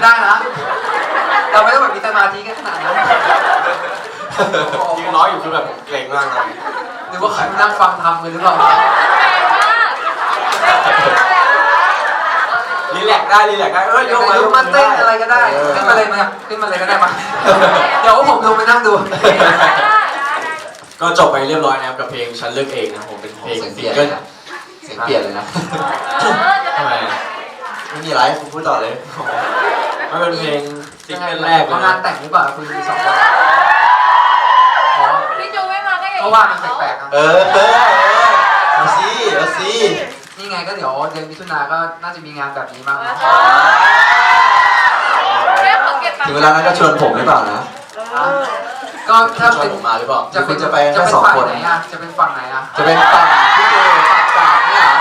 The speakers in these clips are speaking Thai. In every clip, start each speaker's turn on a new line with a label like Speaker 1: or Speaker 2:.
Speaker 1: ได้นะเราไม่ต้องแบบมีสมาธิกันขนาดนั้น
Speaker 2: ยืนร้อยอยู่คือแบบเกรงมากเลย
Speaker 1: หรือว่าใครมานั่งฟังทำกันหรือเปล่า
Speaker 2: รีแลกได้รีแลกได้ยก
Speaker 1: ลุกมาเต้นอะไรก็ได้ขึ้นมาเลยมาขึ้นมาเลยก็ได้มาเดี๋ยวผมลงไปนั่งดู
Speaker 2: ก็จบไปเรียบร้อยนะครับกับเพลงฉันเลือกเองนะผมเป็นเพลงซิงเกิล
Speaker 3: เสียงเปลี่ยนเลยนะ
Speaker 2: ทำไม
Speaker 3: ไม่มีอะไรคุณพูดต่อเลย
Speaker 2: มันเป็นเพลงซิงเกิลแรกเลย
Speaker 1: งานแต่งหรือเปล่าคุณมีสองคนอ๋อ
Speaker 4: พี่จูไม่มาก็อย่าง
Speaker 1: เพราะว่ามันแปลกๆนะ
Speaker 3: เอาสิเอาสิ
Speaker 1: นี่ไงก็เดี๋ยวเดือนมิถุนาก็น่าจะมีงานแบบนี้บ้างนะ
Speaker 3: ถึงเวลานั้นก็ชวนผมหรือเปล่านะ
Speaker 1: ก็ถ้า
Speaker 2: ชว
Speaker 1: เป็น น
Speaker 2: ผมมาหรือเปล่า
Speaker 1: จะเป็น
Speaker 3: จะไป
Speaker 1: จะ
Speaker 3: แค่
Speaker 1: เป็น
Speaker 3: สอง
Speaker 1: ฝั่ง
Speaker 3: คน
Speaker 1: ไหนอ่ะจะเป็นฝั่งไหนอ่ะ
Speaker 3: จะเป็นฝั่งพี่เจฝั่งกลางเนี่ยเหรอ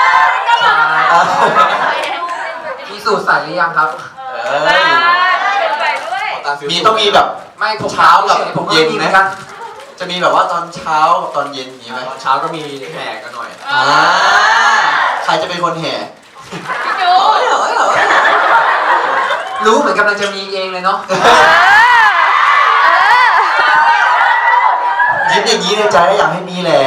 Speaker 1: มีสูตรใส่หรือยังครับ
Speaker 3: เอ้ย มีต้องมีแบบ
Speaker 1: ไม่ผม
Speaker 3: เช้ากับ
Speaker 1: ผมก็
Speaker 3: เย็น
Speaker 1: มีเห
Speaker 3: ไหม
Speaker 1: มือนกัน
Speaker 3: จะมีแบบว่าตอนเช้ากับตอนเย็นอย่างนี้ไหม
Speaker 2: ตอนเช้าก็มีแห่กันหน่อย
Speaker 3: ใครจะเป็นคนแห่
Speaker 4: พี่จู
Speaker 1: รู้เหมือนกำลังจะมีเองเลยเนาะ
Speaker 3: ยิ้มอย่างนี้ในใจก็อยากให้มีแหละ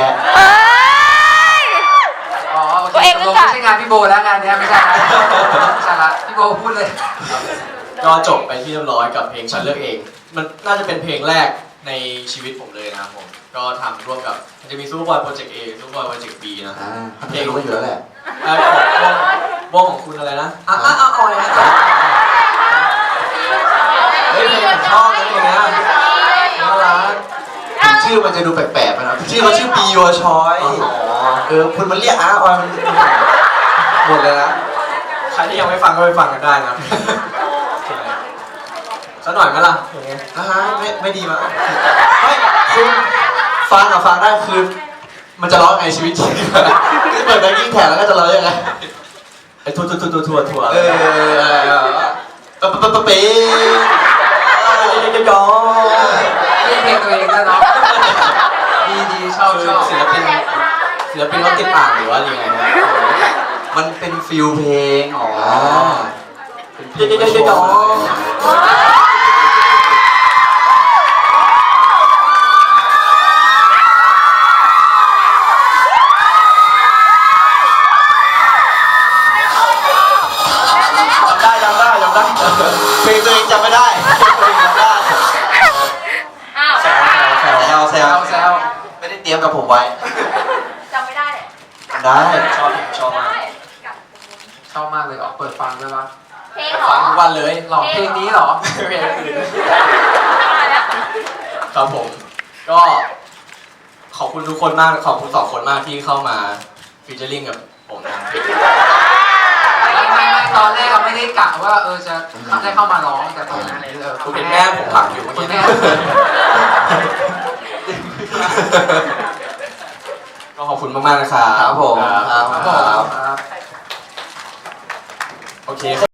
Speaker 1: อ๋อโอเคตกลงไม่ใช่งานพี่โบแล้วงานเนี้ยไม่ใช่นะไม่ใช่ละพี่โบพูดเลย
Speaker 2: ก็จบไปที่เรียบร้อยกับเพลงฉันเลือกเอง มันน่าจะเป็นเพลงแรกในชีวิตผมเลยนะครับผมก็ทำร่วมกับมันจะมีซูเปอร์บอยโปรเจกต์ A ซูเปอร์บอยโปรเจกต์ B นะ
Speaker 3: เพลงรู้กันอยู่แล้วแหละ
Speaker 2: วงของคุณอะไรนะอ่อยนะเฮ้ยเพลงผมชอบนะเพลงเนี้ยน่ารัก
Speaker 3: ชื่อมันจะดูแปลกๆไปนะชื่อเขาชื่อ Be Your Choice คุณมันเรียกออยมันหมดเลยนะ
Speaker 2: ใครที่ยังไม่ฟังก็ไปฟังกันได้นะสักหน่อยไหมล่ะอย่างเงี้ย
Speaker 3: ไม่ดีมั้งไม่คุณฟังได้คือมันจะร้องไงชีวิตจริงคือเปิดแบงกิ้งแท็กแล้วก็จะร้องยังไง
Speaker 2: ไอ้ทัวปะปะเป๊ะ
Speaker 3: ยอ
Speaker 1: นี่เพลงตัวเองด้วยเนาะดีชอบ
Speaker 2: คือศิลปินเขาติดอ่างหรือว่ายังไงนะ
Speaker 3: มันเป็นฟิลเพลงเป็นเพลงจำได้เพลงตัวเองจำไม่ได้แซวไม่ได้เตรียมกับผมไว้
Speaker 4: จำไม่ได้เลย
Speaker 3: ได้
Speaker 2: ชอบมาก
Speaker 1: ชอบมากเลยออกเปิดฟังด้วยปะ
Speaker 4: เพลงเหร
Speaker 2: ฟั
Speaker 4: อง
Speaker 2: ทุกวันเลย
Speaker 1: หลอกเพลงนี้เหรอ
Speaker 2: เพลงอื่นครับผมก็ขอบคุณทุกคนมากขอบคุณสองคนมากที่เข้ามาฟีเจอริ่งกับผมนะ
Speaker 1: ไม่ตอนแรกเราไม่ได้กะว่าจะได้เข้ามาร้องแต่ตอนนั้น
Speaker 2: คุณเป็นแม่ผมผักอยู่เมื่อ
Speaker 1: คุ
Speaker 2: กี้
Speaker 1: ณแม่
Speaker 2: ก็ขอบคุณมากๆนะครับ
Speaker 3: ครับผม
Speaker 1: ครับ
Speaker 2: โอเค